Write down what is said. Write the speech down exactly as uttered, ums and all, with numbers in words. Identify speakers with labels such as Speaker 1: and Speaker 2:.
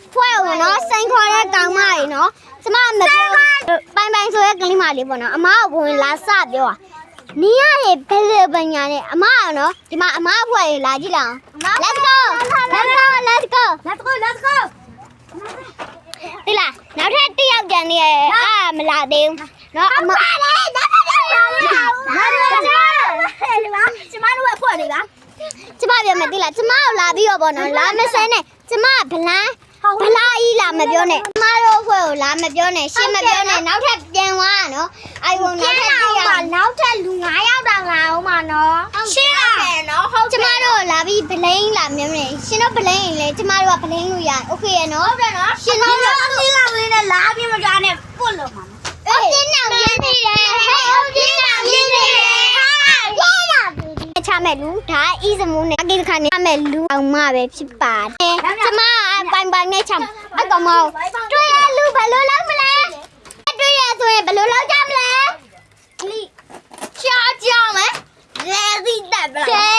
Speaker 1: ဖွဲ့ဝင်နော်စိန်ခေါ်တဲ့ကောင်မကြီးနော်ကျမမပြောပိုင်ပိုင်ဆိုရဲကလေးမလေးပေါ့နော်အမကဝင်လာစပြောอ่ะနီးရရဲ့ဘယ်လိုပညာနဲ့အမကနော်ဒီမှာအမဖွဲ့ရလာကြည့်လောက် Let's go Let's go Let's go
Speaker 2: Let's go Let's go
Speaker 1: ဒီလားနောက်ထပ်တစ်ယောက်ကြံနေရအာမလာသေးဘူးနော်အမလေးဒါပဲဒါပဲဒါပဲကျမတို့ကဖွဲ့နေပါကျမပြောမယ်ဒီလားကျမကိုလာပြီးတော့ပေါ့နော်လာမစဲနဲ့ကျမဗလန်းဗလာကြီးလာမပြောနဲ့ကျမတို့ဖွဲ့ကိုလာမပြောနဲ့ရှင်းမပြောနဲ့နောက်ထပ်ပြန်သွားနော်အိုင်ဝုံနောက်ထပ်တစ်ယောက်နောက်ထပ်လူ၅ယောက်တောင်လာအောင်ပါနော်ရှင်းလာတယ်နော်ဟုတ်ကျမတို့လာပြီးဗလိန်လာမြင်နေရှင်တို့ဗလိန်လေကျမတို့ကဗလိန်လို့ရโอเคရနော်ဟုတ်တယ်နော်ရှင်တို့ကရှင်းလာမင်းနဲ့လာပြီးမကြနဲ့ပွတ်လို့မှာအေးရှင်းအောင်ရင်းနေတယ်ဟဲ့ရှင်းအောင်ရင်းနေတယ်ချမဲ့လူဒါအီးစမူးနဲ့အကိခါနဲ့ချမဲ့လူအောင်မပဲဖြစ်ပါတယ်ကျမပိုင်ပိုင်နဲ့ချအကောင်မတွေ့ရလူဘယ်လိုလုပ်မလဲတွေ့ရဆိုရင်ဘယ်လိုလုပ်ကြမလဲအလီရှားကြမယ်လဲစီတက်ပလား